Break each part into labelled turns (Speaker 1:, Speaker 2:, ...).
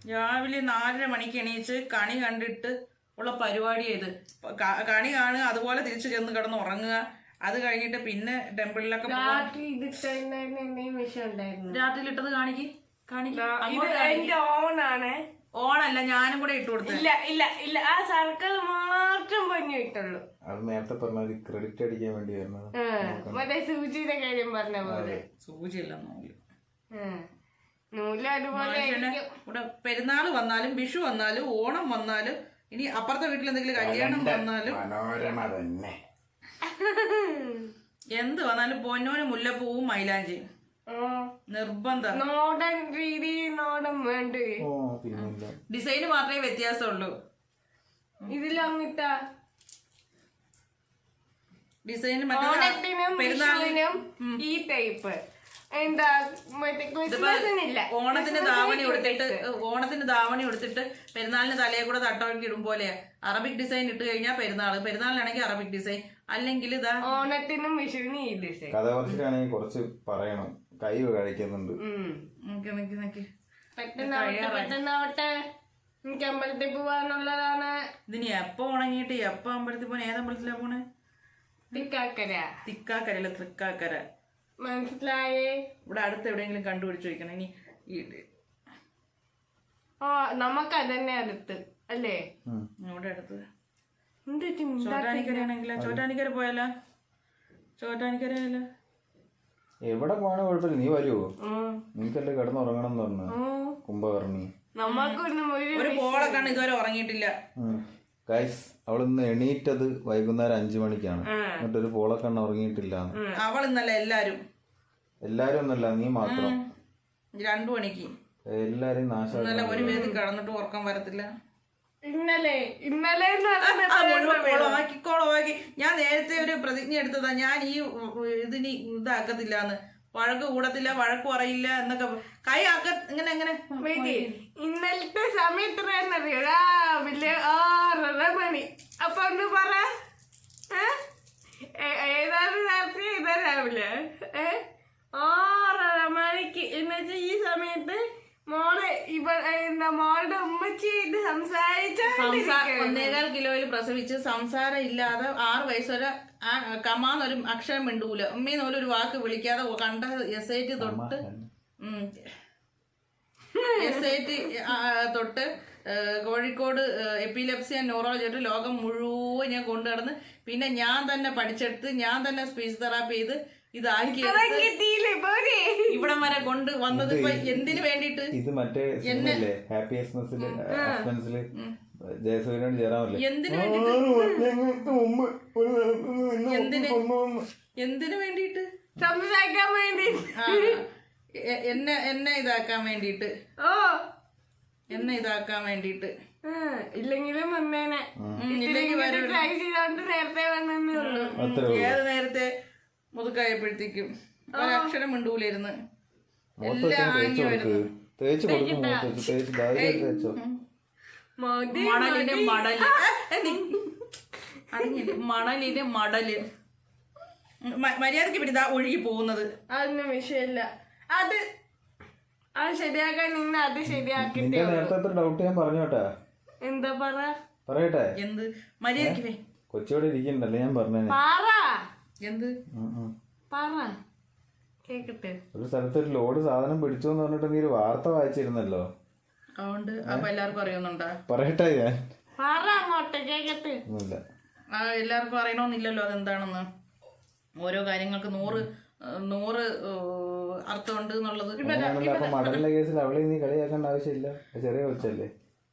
Speaker 1: രാവിലെ 4:30 മണിക്ക് എണീച്ച് കണി കണ്ടിട്ട് ഉള്ള പരിപാടി ഇത്. കണി കാണുക, അതുപോലെ തിരിച്ചു ചെന്ന് കിടന്ന് ഉറങ്ങുക. അത് കഴിഞ്ഞിട്ട് പിന്നെ ടെമ്പിളിലൊക്കെ രാത്രിയിലിട്ടത് ഓണല്ല, ഞാനും കൂടെ ഇട്ട് കൊടുത്തു.
Speaker 2: ഇല്ല ആ സർക്കിൾ മാത്രം പൊന്നിട്ടുള്ളൂ.
Speaker 3: അത് നേരത്തെ പറഞ്ഞ ക്രെഡിറ്റ് അടിക്കാൻ വേണ്ടിയായിരുന്നു.
Speaker 2: മറ്റേ സൂചിയുടെ കാര്യം പറഞ്ഞ പോലെ.
Speaker 1: സൂചിയല്ല,
Speaker 2: നൂല് അതുപോലെ.
Speaker 1: ഇവിടെ പെരുന്നാള് വന്നാലും വിഷു വന്നാലും ഓണം വന്നാലും ഇനി അപ്പുറത്തെ വീട്ടിൽ എന്തെങ്കിലും കല്യാണം വന്നാലും
Speaker 3: മനോരമ തന്നെ
Speaker 1: എന്ത് വന്നാലും പൊന്നോന് മുല്ലപ്പൂവും മൈലാഞ്ചി നിർബന്ധം.
Speaker 2: നോടൻ രീതി നോടൻ വേണ്ട.
Speaker 1: ഡിസൈന് മാത്രമേ വ്യത്യാസമുള്ളൂ.
Speaker 2: ഇതിലങ്ങിട്ട
Speaker 1: ഡിസൈന്
Speaker 2: പെരുന്നാളിനും ഈ ടൈപ്പ് എന്താ
Speaker 1: ഓണത്തിന് ധാവണി കൊടുത്തിട്ട് പെരുന്നാളിന് തലയെ കൂടെ തട്ടവഴക്കി ഇടും പോലെ അറബിക് ഡിസൈൻ ഇട്ട് കഴിഞ്ഞാൽ പെരുന്നാളിനാണെങ്കിൽ അറബിക് ഡിസൈൻ, അല്ലെങ്കിൽ ഇതാ
Speaker 2: ഓണത്തിനും വിഷുവിനും ഈ ഡിസൈൻ.
Speaker 3: കഥ കുറച്ചിട്ടാണെങ്കിൽ കുറച്ച് പറയണം, കൈ കഴിക്കുന്നുണ്ട്.
Speaker 2: പെട്ടെന്നാവട്ടെ, എനിക്ക് അമ്പലത്തിൽ പോവാനുള്ളതാണ്.
Speaker 1: ഇതിന് എപ്പോ ഉണങ്ങിയിട്ട് എപ്പോ അമ്പലത്തിൽ പോണേ? ഏതമ്പലത്തിലാ പോണേ? തിക്കാക്കരല്ല, തൃക്കാക്കര.
Speaker 2: മനസ്സിലായേ?
Speaker 1: ഇവിടെ അടുത്ത് എവിടെയെങ്കിലും കണ്ടുപിടിച്ചു വയ്ക്കണം. ഇനി
Speaker 2: നമുക്കതന്നെ അടുത്ത് അല്ലേ?
Speaker 1: ഇവിടെ അടുത്ത് ചോറ്റാനിക്കരയാണെങ്കിലോ? ചോറ്റാനിക്കര പോയാലോ? ചോറ്റാനിക്കരയല്ലോ.
Speaker 3: എവിടെ പോകാനും കുഴപ്പമില്ല, നീ വരുവോ? നിനക്കല്ലേ കിടന്നുറങ്ങണം എന്ന് പറഞ്ഞു കുംഭകർണി.
Speaker 1: ഒരു പോളൊക്കെയാണ് ഇതുവരെ ഉറങ്ങിയിട്ടില്ല.
Speaker 3: ഗൈസ്, അവളിന്ന് എണീറ്റത് വൈകുന്നേരം 5 മണിക്കാണ്. എന്നിട്ടൊരു പോളക്കണ്ണ ഉറങ്ങിയിട്ടില്ല.
Speaker 1: അവൾ ഇന്നല്ല, എല്ലാരും
Speaker 3: ഒന്നല്ല, നീ മാത്രം
Speaker 1: 2 മണിക്ക്.
Speaker 3: എല്ലാരും നാശം.
Speaker 1: ഒരു വേദി കടന്നിട്ട് ഉറക്കം വരത്തില്ല.
Speaker 2: ഇന്നലെ
Speaker 1: ഞാൻ നേരത്തെ ഒരു പ്രതിജ്ഞ എടുത്തതാ, ഞാൻ ഈ ഇതിന് ഇതാക്കത്തില്ലാന്ന്. വഴക്ക് കൂടത്തില്ല, വഴക്ക് പറയില്ല എന്നൊക്കെ. കൈ ഇങ്ങനെ എങ്ങനെ
Speaker 2: ഇന്നലത്തെ സമയം എത്രയെന്നറിയോ? രാവിലെ 6:30 മണി. അപ്പൊ ഒന്ന് പറ, ഏതാണ് രാത്രി ഏതാ രാവിലെ? 6:30 മണിക്ക്. എന്നുവെച്ചാ ഈ സമയത്ത് മോളെ മോളുടെ ഉമ്മച്ചി സംസാരിച്ച
Speaker 1: 1.25 കിലോയിൽ പ്രസവിച്ച് സംസാരം ഇല്ലാതെ 6 വയസ്സ് വരെ കമാന്നൊരു അക്ഷരം മിണ്ടൂല. ഉമ്മീന്ന് ഒരു വാക്ക് വിളിക്കാതെ കണ്ട SIT തൊട്ട് കോഴിക്കോട് എപ്പിലെപ്സി ആൻഡ് ന്യൂറോളജി ആയിട്ട് ലോകം മുഴുവൻ ഞാൻ കൊണ്ടുനടന്ന് പിന്നെ ഞാൻ തന്നെ പഠിച്ചെടുത്ത് ഞാൻ തന്നെ സ്പീച്ച് തെറാപ്പി ചെയ്ത് ഇതാക്കി ഇവിടം വരെ കൊണ്ട് വന്നത് ഇപ്പൊ എന്തിനു വേണ്ടിട്ട്?
Speaker 3: ഇത് മറ്റേ ജയസൂര്യനോട് ചേരാമല്ലോ.
Speaker 1: എന്തിനു വേണ്ടിട്ട്?
Speaker 2: സംസാരിക്കാൻ വേണ്ടി,
Speaker 1: എന്നെ ഇതാക്കാൻ വേണ്ടിട്ട്, എന്നെ ഇതാക്കാൻ വേണ്ടിട്ട്.
Speaker 2: ഇല്ലെങ്കിലും വന്നേനെ. നേരത്തെ വന്നേ ഉള്ളൂ.
Speaker 1: ഏത് നേരത്തെ മുതുക്കായപ്പോഴത്തേക്കും ഒരക്ഷരം മിണ്ടൂലായിരുന്നു. എല്ലാം ആങ്ങി വരുന്നു. മണലിന് മടല് മര്യാദക്ക് പിന്നെ ഇതാ ഒഴുകി പോകുന്നത്.
Speaker 2: അതൊന്നും വിഷയമില്ല. അത് ശരിയാക്കാൻ നിന്ന് അത് ശരിയാക്കി.
Speaker 3: ഡൗട്ട് ഞാൻ പറഞ്ഞോട്ടെ.
Speaker 2: എന്താ
Speaker 3: പറയട്ടെ?
Speaker 1: എന്ത് മര്യാദക്ക്
Speaker 3: കൊച്ചിയോടെ ഇരിക്കണ്ടല്ലേ ഞാൻ പറഞ്ഞേ.
Speaker 1: എന്ത്
Speaker 2: കേക്കട്ടെ?
Speaker 3: ഒരു സ്ഥലത്ത് ഒരു ലോഡ് സാധനം പിടിച്ചു എന്ന് പറഞ്ഞിട്ട് നീ ഒരു വാർത്ത വായിച്ചിരുന്നല്ലോ.
Speaker 1: അതുകൊണ്ട് അപ്പൊ എല്ലാവർക്കും അറിയുന്നുണ്ടോ?
Speaker 3: പറയട്ടെ ഞാൻ.
Speaker 2: കേക്കട്ടെ.
Speaker 1: എല്ലാവർക്കും അറിയണമെന്നില്ലല്ലോ അതെന്താണെന്ന്. ഓരോ കാര്യങ്ങൾക്ക് 100 അർത്ഥമുണ്ട് എന്നുള്ളത്.
Speaker 3: അപ്പൊ മടലിന്റെ കേസിൽ അവളെ നീ കളിയാക്കേണ്ട ആവശ്യമില്ല. ചെറിയ കൊച്ചല്ലേ.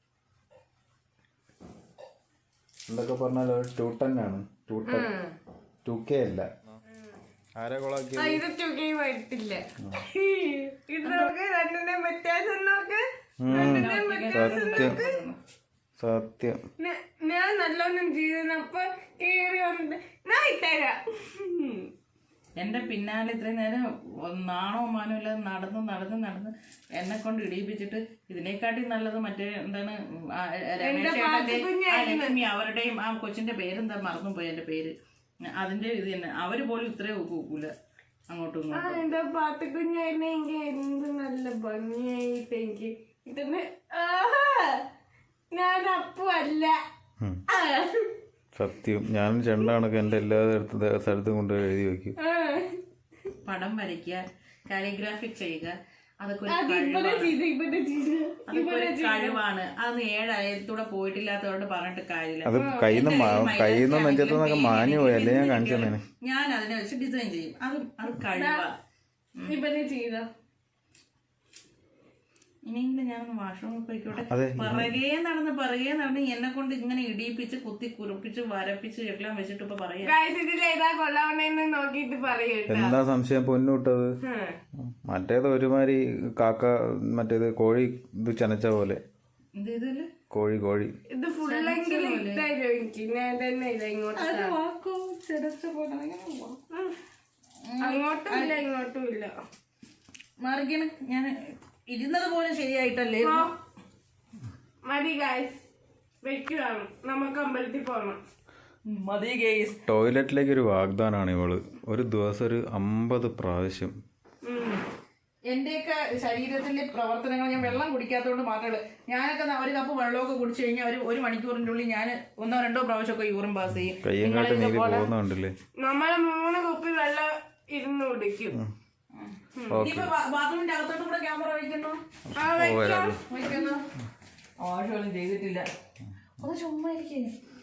Speaker 3: എന്തൊക്കെ പറഞ്ഞാലോ ട്യൂട്ടനാണ്. 2K അല്ല. ആരെ കൊളാക്കി?
Speaker 2: ഇത് 2K വരത്തില്ല.
Speaker 3: സത്യം.
Speaker 2: ഞാൻ നല്ലോണം ചെയ്തപ്പോ കേറി വന്നിട്ട് ഞാൻ ഇട്ടേരാ.
Speaker 1: എന്റെ പിന്നാലെ ഇത്രയും നേരം നാണോ മാനോ ഇല്ലാതെ നടന്ന് എന്നെ കൊണ്ട് ഇടിയിപ്പിച്ചിട്ട് ഇതിനെക്കാട്ടി നല്ലത് മറ്റേ എന്താണ് ലക്ഷ്മി അവരുടെയും ആ കൊച്ചിന്റെ പേരെന്താ മറന്നുപോയി എന്റെ പേര്. അതിന്റെ ഇത് തന്നെ. അവര് പോലും ഇത്രയും ഒക്കൂല അങ്ങോട്ടും ഇങ്ങോട്ടും.
Speaker 2: എന്റെ പാത്തുകുഞ്ഞായിരുന്നെങ്കിൽ എന്ത് നല്ല ഭംഗിയായിട്ട് എനിക്ക് ഇതിന് ഞാൻ അപ്പു അല്ല.
Speaker 3: സത്യം ഞാൻ ചെണ്ടാണൊക്കെ എൻ്റെ എല്ലാ സ്ഥലത്തും കൊണ്ട് എഴുതി വെക്കും.
Speaker 1: പടം വരയ്ക്കുക, കാലിഗ്രാഫിക് ചെയ്യുക, അതൊക്കെ ഒരു കഴിവാണ്. അതൊന്നും 7 അയലത്തൂടെ പോയിട്ടില്ലാത്തതുകൊണ്ട് പറഞ്ഞിട്ട് കാര്യമില്ല.
Speaker 3: അത് കയ്യിൽ നെഞ്ചത്തുനിന്നൊക്കെ മാഞ്ഞു പോയി, അല്ലേ ഞാൻ കാണിച്ചു തന്നെ.
Speaker 1: ഞാൻ അതിനെ വെച്ച് ഡിസൈൻ ചെയ്യും. അത് കഴിവാ. ഇനിയെങ്കിലും ഞാനൊന്ന് വാഷ്റൂമിൽ പോയിക്കോട്ടെ. പിറകെ നടന്ന് എന്നെ കൊണ്ട് ഇങ്ങനെ ഇടിയിപ്പിച്ച് കുത്തി കുറിപ്പിച്ച് വരപ്പിച്ച് എല്ലാം വെച്ചിട്ട് ഇപ്പൊ പറയാം.
Speaker 3: എന്താ സംശയം പൊന്നുവിട്ടത്? മറ്റേത് ഒരുമാതിരി കാക്ക, മറ്റേത് കോഴി ഇത് ചനച്ച പോലെ. കോഴി
Speaker 2: ഇത് ഫുള്ളെങ്കിലും അങ്ങോട്ടും ഇല്ല ഇങ്ങോട്ടും ഇല്ല.
Speaker 1: മാറിക്കണ്. ഞാൻ ഇരുന്നത് പോലെ ശരിയായിട്ടല്ലേ.
Speaker 2: മതി ഗൈസ്, വെക്കുവാണ്. നമുക്ക് അമ്പലത്തിൽ പോകണം.
Speaker 1: മതി ഗൈസ്.
Speaker 3: ടോയ്ലറ്റിലേക്ക് ഒരു വാഗ്ദാനാണ് ഇവള്. ഒരു ദിവസം ഒരു 50 പ്രാവശ്യം.
Speaker 1: എന്റെയൊക്കെ ശരീരത്തിന്റെ പ്രവർത്തനങ്ങൾ ഞാൻ വെള്ളം കുടിക്കാത്തതുകൊണ്ട് മാത്രമേ. ഞാനൊക്കെ ഒരു കപ്പ് വെള്ളമൊക്കെ കുടിച്ചു കഴിഞ്ഞാൽ ഒരു മണിക്കൂറിന്റെ ഉള്ളിൽ ഞാൻ 1 2 പ്രാവശ്യമൊക്കെ യൂറിൻ പാസ് ചെയ്യും.
Speaker 3: കയ്യങ്കാട്ട് നീതി പോകുന്നുണ്ടല്ലേ.
Speaker 2: നമ്മള് 3 കുപ്പി വെള്ളം ഇരുന്ന് കുടിക്കും.
Speaker 1: ബാത്റൂമിന്റെ അകത്തോട്ട് കൂടെ ക്യാമറ വയ്ക്കുന്നു. ആവശ്യമൊന്നും ചെയ്തിട്ടില്ല. അത് ചുമ്മാ ഇരിക്കുന്നു.